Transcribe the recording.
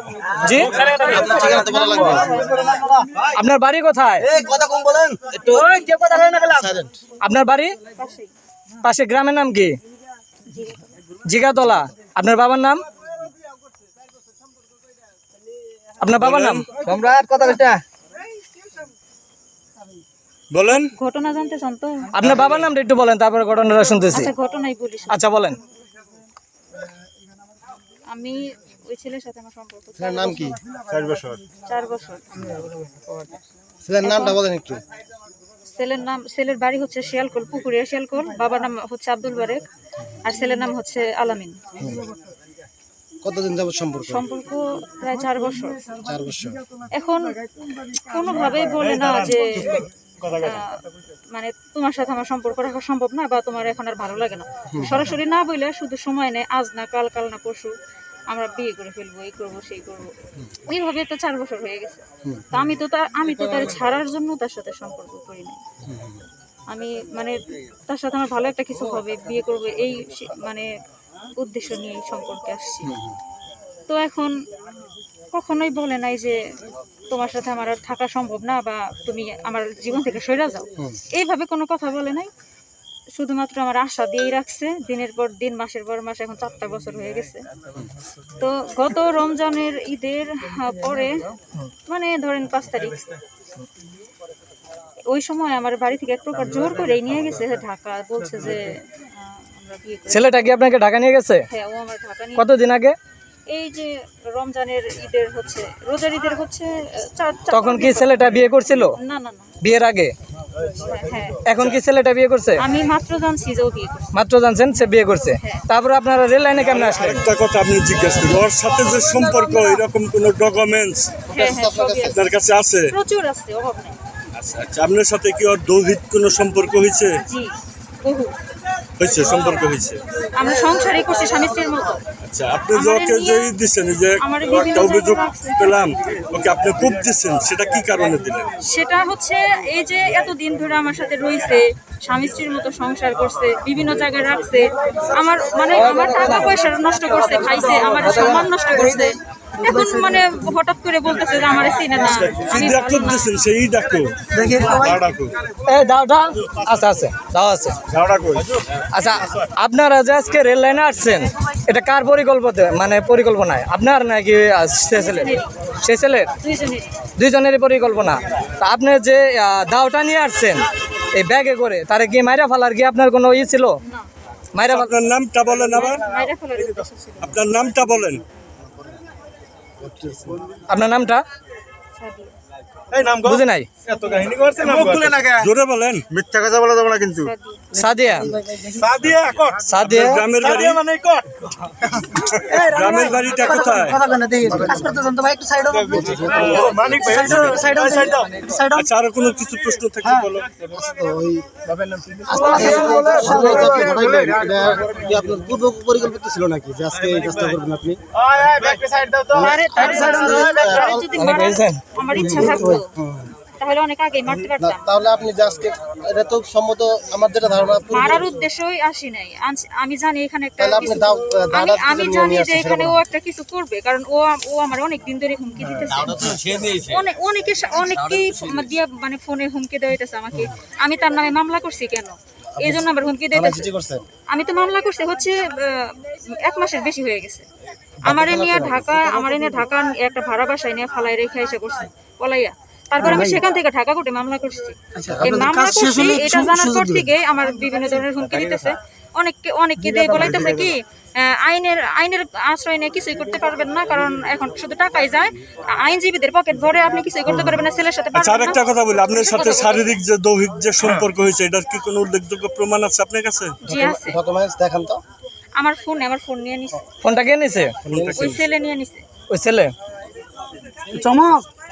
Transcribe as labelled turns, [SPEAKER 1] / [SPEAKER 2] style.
[SPEAKER 1] জি, আপনার বাড়ি কোথায়? আপনার বাড়ি পাশে, গ্রামের নাম কি? জিগাতলা। আপনার বাবার নাম? আপনার বাবার নাম?
[SPEAKER 2] সম্রাট কথা
[SPEAKER 3] বলেন।
[SPEAKER 4] ঘটনা জানতে চান তো?
[SPEAKER 1] আপনার বাবার নামটা একটু বলেন, তারপরে ঘটনাটা শুনতেছি।
[SPEAKER 4] আচ্ছা, ঘটনাই বলি।
[SPEAKER 1] আচ্ছা বলেন।
[SPEAKER 4] আমি ওই ছেলের সাথে আমার সম্পর্ক।
[SPEAKER 2] ছেলের নাম কি?
[SPEAKER 3] 4 বছর।
[SPEAKER 4] 4 বছর।
[SPEAKER 2] ছেলের নামটা বলেন একটু।
[SPEAKER 4] ছেলের বাড়ি হচ্ছে শিয়ালকোল, পুকুরিয়া শিয়ালকোল। বাবার নাম হচ্ছে আব্দুল বারেক, আর ছেলের নাম হচ্ছে আলামিন।
[SPEAKER 2] কতদিন যাবত
[SPEAKER 4] সম্পর্ক প্রায় 4 বছর।
[SPEAKER 2] 4 বছর।
[SPEAKER 4] এখন কোনোভাবেই বলে না যে মানে তোমার সাথে আমার সম্পর্ক রাখা সম্ভব না, বা তোমার এখন আর ভালো লাগে না। সরাসরি না বলে শুধু সময় নেই, আজ না কাল, কাল না পরশু আমরা বিয়ে করে ফেলবো, এই করবো সেই করবো। এইভাবে তো 4 বছর হয়ে গেছে। তো আমি তো তার ছাড়ার জন্য তার সাথে সম্পর্ক করি নাই। আমি মানে তার সাথে আমার ভালো একটা কিছু হবে, বিয়ে করবো, এই মানে উদ্দেশ্য নিয়ে সম্পর্কে আসছি। তো এখন কখনোই বলে নাই যে তোমার সাথে আমার আর থাকা সম্ভব না, বা তুমি আমার জীবন থেকে সরে যাও, এইভাবে কোনো কথা বলে নাই। শুধুমাত্র আমার আশা দিয়েই রাখছে, দিনের পর দিন, মাসের পর মাস, এখন 4টা বছর হয়ে গেছে। তো গত রমজানের ঈদের পরে, মানে ধরেন 5 তারিখ, ওই সময় আমার বাড়ি থেকে এক প্রকার জোর করে নিয়ে গেছে ঢাকা। বলছে যে আমরা বিয়ে করব।
[SPEAKER 1] ছেলেটা কি আপনাকে ঢাকা নিয়ে গেছে?
[SPEAKER 4] হ্যাঁ, ও আমার ঢাকা নিয়ে।
[SPEAKER 1] কতদিন আগে?
[SPEAKER 4] এই যে রমজানের ঈদের হচ্ছে, রোজার ঈদের হচ্ছে।
[SPEAKER 1] তখন কি ছেলেটা বিয়ে করছিল?
[SPEAKER 4] না না না,
[SPEAKER 1] বিয়ের আগে।
[SPEAKER 4] হ্যাঁ।
[SPEAKER 1] এখন কি ছেলেটা বিয়ে করছে?
[SPEAKER 4] আমি মাত্র জানছি যে ও বিয়ে করছে।
[SPEAKER 1] মাত্র জানছেন সে বিয়ে করছে। তারপরে আপনারা রেল লাইনে কেমন আসলেন?
[SPEAKER 3] একটা কথা আপনি জিজ্ঞেস করুন, ওর সাথে যে সম্পর্ক, এরকম কোনো ডকুমেন্টস
[SPEAKER 4] হ্যাঁ, সবই আছে।
[SPEAKER 3] আপনার কাছে আছে?
[SPEAKER 4] প্রচুর আছে, অভাব নেই।
[SPEAKER 3] আচ্ছা আচ্ছা, আপনার সাথে কি ওর দৈহিক কোনো সম্পর্ক হয়েছে?
[SPEAKER 4] জি, বহু
[SPEAKER 3] হয়েছে, সম্পর্ক হয়েছে।
[SPEAKER 4] আমরা সংসারই করছি স্বামী স্ত্রীর মতো।
[SPEAKER 3] আচ্ছা, আপনি যে ওকে যে দিচ্ছেন, যে একটা অভিযোগ পেলাম, ওকে আপনি খুব দিচ্ছেন, সেটা কি কারণে দিলেন?
[SPEAKER 4] সেটা হচ্ছে এই যে এতদিন ধরে আমার সাথে রয়েছে, স্বামী স্ত্রীর মতো সংসার করছে, বিভিন্ন জায়গায় রাখছে, আমার মানে আমার টাকা পয়সা নষ্ট করছে, খাইছে, আমার সম্মান নষ্ট করছে। এখন মানে হঠাৎ করে বলতেছে যে আমার চিনে না।
[SPEAKER 3] কি ডাক্তার দিচ্ছেন, সেই ডাকো ডাকো।
[SPEAKER 1] দাওটা আচ্ছা আছে, দাও আছে। আচ্ছা, আপনারা যে আজকে রেল লাইনে আসছেন, এটা কার পরিকল্পনায়? আপনার নাকি সে ছেলের? সে ছেলের? দুইজনেরই পরিকল্পনা। তা আপনি যে দাওটা নিয়ে আসছেন এই ব্যাগে করে, তারে কি মাইরা ফেলার কি আপনার কোনো ছিল? মাইরা ফেলার।
[SPEAKER 3] আপনার নামটা বলেন আবার। আপনার নামটা বলেন।
[SPEAKER 1] আপনার নামটা বুঝি নাই।
[SPEAKER 3] জোরে বলেন।
[SPEAKER 2] মিথ্যা কথা বলা যাবে না কিন্তু।
[SPEAKER 1] সাদিয়া। সাদিয়া।
[SPEAKER 3] গ্রামের বাড়ি? গ্রামের বাড়িটা কোথায়? আচ্ছা, আরো কোনো কিছু প্রশ্ন থাকলে বলো।
[SPEAKER 2] আপনার পূর্ব পরিকল্পিত ছিল নাকি যে আজকে এই কাজটা করবেন আপনি?
[SPEAKER 4] আমার ইচ্ছা থাকতো তাহলে অনেক আগেই মারতে পারতাম।
[SPEAKER 2] তাহলে আপনি যে আজকে, এটা তো সম্মত আমার যেটা ধারণা,
[SPEAKER 4] মারার উদ্দেশ্যই আসি নাই। আমি জানি এখানে একটা
[SPEAKER 2] তাহলে আপনি
[SPEAKER 4] আমি জানি যে এখানে ও একটা কিছু করবে, কারণ ও আমার অনেক দিন ধরে হুমকি দিতেছে। অনেকেই দিয়া মানে ফোনে হুমকি দেওয়াইতেছে আমাকে। আমি তার নামে মামলা করছি কেন, এই জন্য আবার হুমকি দিতেছে। আমি তো মামলা করছি হচ্ছে 1 মাসের বেশি হয়ে গেছে। আমার নিয়ে ঢাকা একটা ভাড়া বাসায় নিয়ে ফালাই রেখে এসে করছে পলাইয়া। তারপর আমি সেখান থেকে ঢাকা কোর্টে মামলা করছি। এই মামলা করছি, এটা জানার পর থেকে আমার বিভিন্ন ধরনের হুমকি দিতেছে। অনেককে দিয়ে বলাইতেছে কি আইনের আশ্রয় নিয়ে কিছুই করতে পারবেন না, কারণ এখন শুধু টাকাই যায়, আইনজীবীদের পকেট ভরে আপনি কিছুই করতে পারবেন না, ছেলের সাথে।
[SPEAKER 3] আচ্ছা, আরেকটা কথা বলি, আপনার সাথে শারীরিক যে দৈহিক যে সম্পর্ক হয়েছে, এটার কি কোনো উল্লেখযোগ্য প্রমাণ আছে আপনার কাছে?
[SPEAKER 4] জি আছে।
[SPEAKER 2] দেখান তো।
[SPEAKER 4] আমার ফোন নিয়ে নিছে।
[SPEAKER 1] ফোনটা কে নিছে?
[SPEAKER 4] ওই ছেলে নিয়ে নিছে।
[SPEAKER 1] ওই ছেলে
[SPEAKER 2] চমক।